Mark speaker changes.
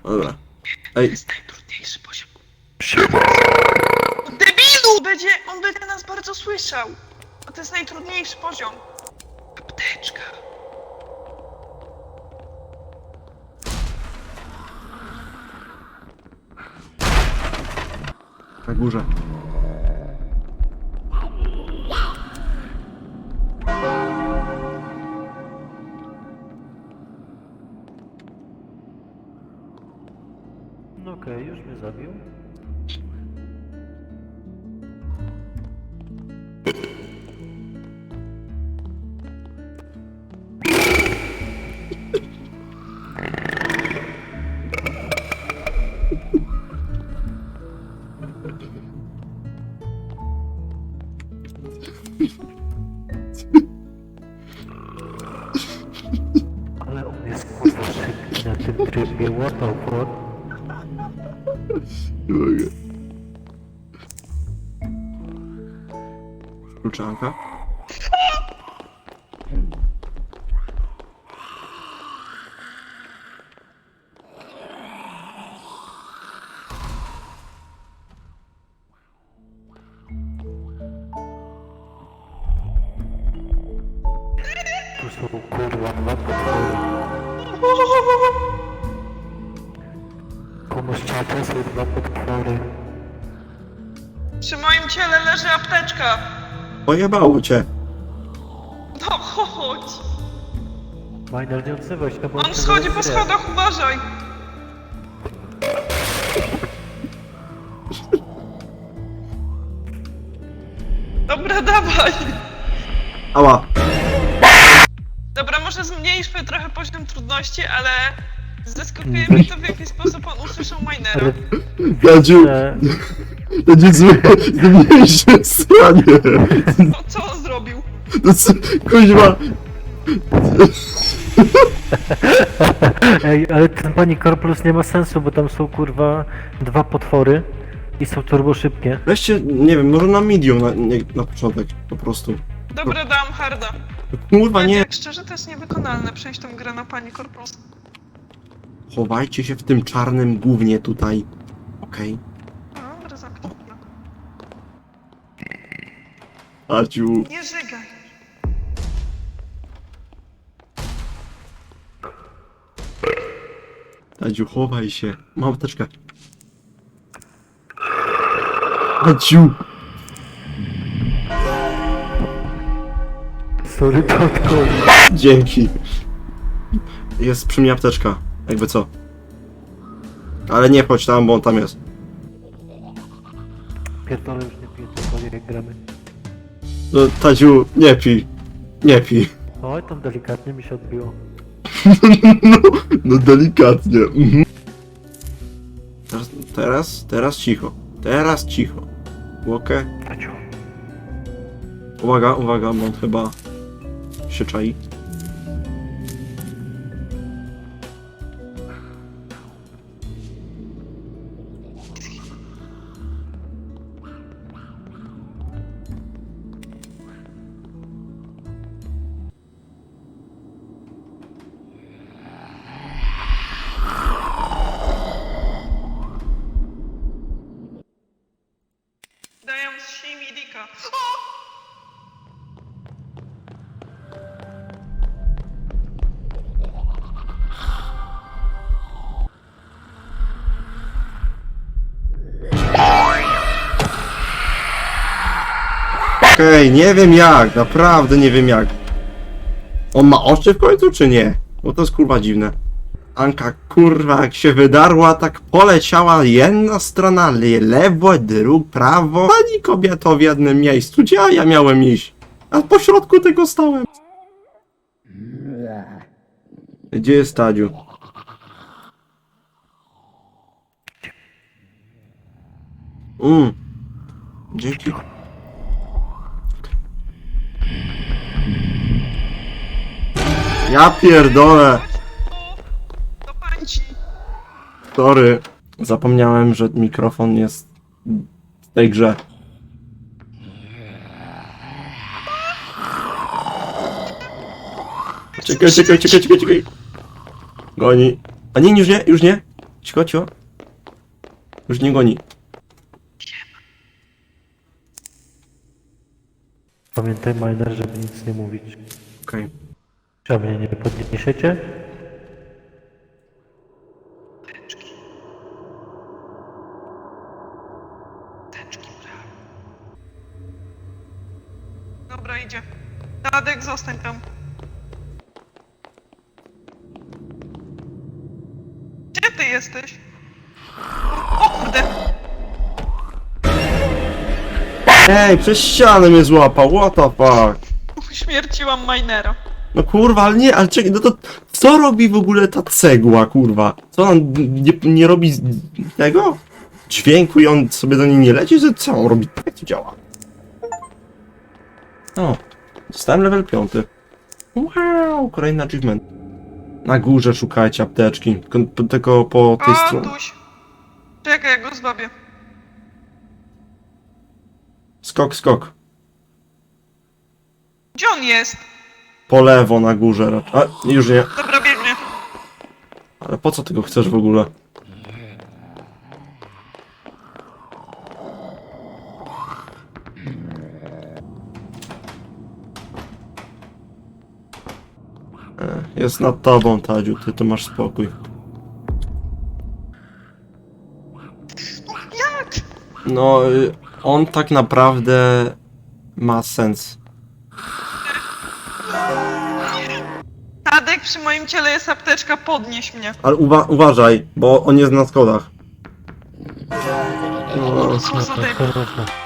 Speaker 1: Dobra. Ej.
Speaker 2: To jest najtrudniejszy poziom.
Speaker 3: Siema.
Speaker 2: Debilu! On będzie nas bardzo słyszał. A to jest najtrudniejszy poziom. Apteczka.
Speaker 1: Na górze.
Speaker 4: No okej, już mnie zabił. Ale on jest kurwa szybki na tym trybie, what the fuck?
Speaker 1: Nie mogę. Kluczanka.
Speaker 4: Tu są kurwa dwa potwory. Pomóż czata, są dwa potwory.
Speaker 2: Przy moim ciele leży apteczka.
Speaker 1: Pojebało cię.
Speaker 2: No chodź.
Speaker 4: Minor, nie odzywaj się, bo
Speaker 2: On
Speaker 4: cię
Speaker 2: schodzi po
Speaker 4: zaraz zje.
Speaker 2: schodach, uważaj. Dobra, dawaj.
Speaker 1: Ała.
Speaker 2: Dobra, może zmniejszmy trochę poziom trudności, ale zaskakuje mnie to, w jaki sposób on usłyszał minera.
Speaker 1: Dadziu,
Speaker 4: Ale...
Speaker 1: będzie złe, zmniejsze stranie.
Speaker 2: No, co on zrobił?
Speaker 1: No co, kuźwa.
Speaker 4: Ej, ale ten pani Korplus nie ma sensu, bo tam są kurwa dwa potwory i są turbo szybkie.
Speaker 1: Weźcie, nie wiem, może na medium na początek, po prostu.
Speaker 2: Dobra, dam harda.
Speaker 1: Kurwa, nie.
Speaker 2: Tak szczerze, to jest niewykonalne przejść tą grę na pani Korpus.
Speaker 1: Chowajcie się w tym czarnym gównie tutaj. Okej.
Speaker 2: Dobra, zamknij.
Speaker 1: Dadziu.
Speaker 2: Nie żygaj.
Speaker 1: Dadziu, chowaj się. Mam apteczkę. Dadziu.
Speaker 4: Sorry, tatko.
Speaker 1: Dzięki. Jest przy mnie apteczka. Jakby co. Ale nie chodź tam, bo on tam jest.
Speaker 4: Pierdolę, już nie piję, to jak gramy.
Speaker 1: No, Tadziu, nie pij. Nie pij.
Speaker 4: Oj, tam delikatnie mi się odbiło.
Speaker 1: No delikatnie. Mhm. Teraz cicho. Teraz cicho. Łokę.
Speaker 4: Taciu.
Speaker 1: Uwaga, bo on chyba się czai.
Speaker 2: Daję z Shimidika.
Speaker 1: Okej, nie wiem jak, naprawdę nie wiem jak. On ma oczy w końcu, czy nie? Bo to jest kurwa dziwne. Anka kurwa jak się wydarła, tak poleciała jedna strona, lewo, prawo. Pani kobieto w jednym miejscu, gdzie ja miałem iść? A po środku tego stałem. Gdzie jest Tadziu? Dzięki. Ja pierdolę.
Speaker 2: Do pańci.
Speaker 1: Sorry. Zapomniałem, że mikrofon jest w tej grze. Czekaj. Goni. A nie, już nie, już nie. Cicho, cicho. Już nie goni.
Speaker 4: Pamiętaj, miner, żeby nic nie mówić.
Speaker 1: Okej.
Speaker 4: Czy mnie nie podniesiecie?
Speaker 2: Dobra, idzie. Tadek, zostań tam. Gdzie ty jesteś? O kurde!
Speaker 1: Ej, przez ścianę mnie złapał, what the fuck?
Speaker 2: Uśmierciłam minera.
Speaker 1: No kurwa, ale nie, ale czekaj, no to co robi w ogóle ta cegła, kurwa? Co on nie robi tego? Dźwięku i on sobie do niej nie leci? Że co on robi? Jak to działa? O, dostałem level 5. Wow, kolejny achievement. Na górze szukajcie apteczki, tylko po tej
Speaker 2: O,
Speaker 1: stronie.
Speaker 2: tuś. Czekaj, ja go zbawię.
Speaker 1: Skok, skok.
Speaker 2: Gdzie on jest?
Speaker 1: Po lewo na górze raczej. A, już nie.
Speaker 2: Dobra, biegnie.
Speaker 1: Ale po co tego chcesz w ogóle? Jest nad tobą, Tadziu, ty to masz spokój.
Speaker 2: Jak?
Speaker 1: No, on tak naprawdę ma sens.
Speaker 2: Tadek, przy moim ciele jest apteczka, podnieś mnie.
Speaker 1: Ale uważaj, bo on jest na schodach. No,
Speaker 2: Co za debil.
Speaker 4: Jasne.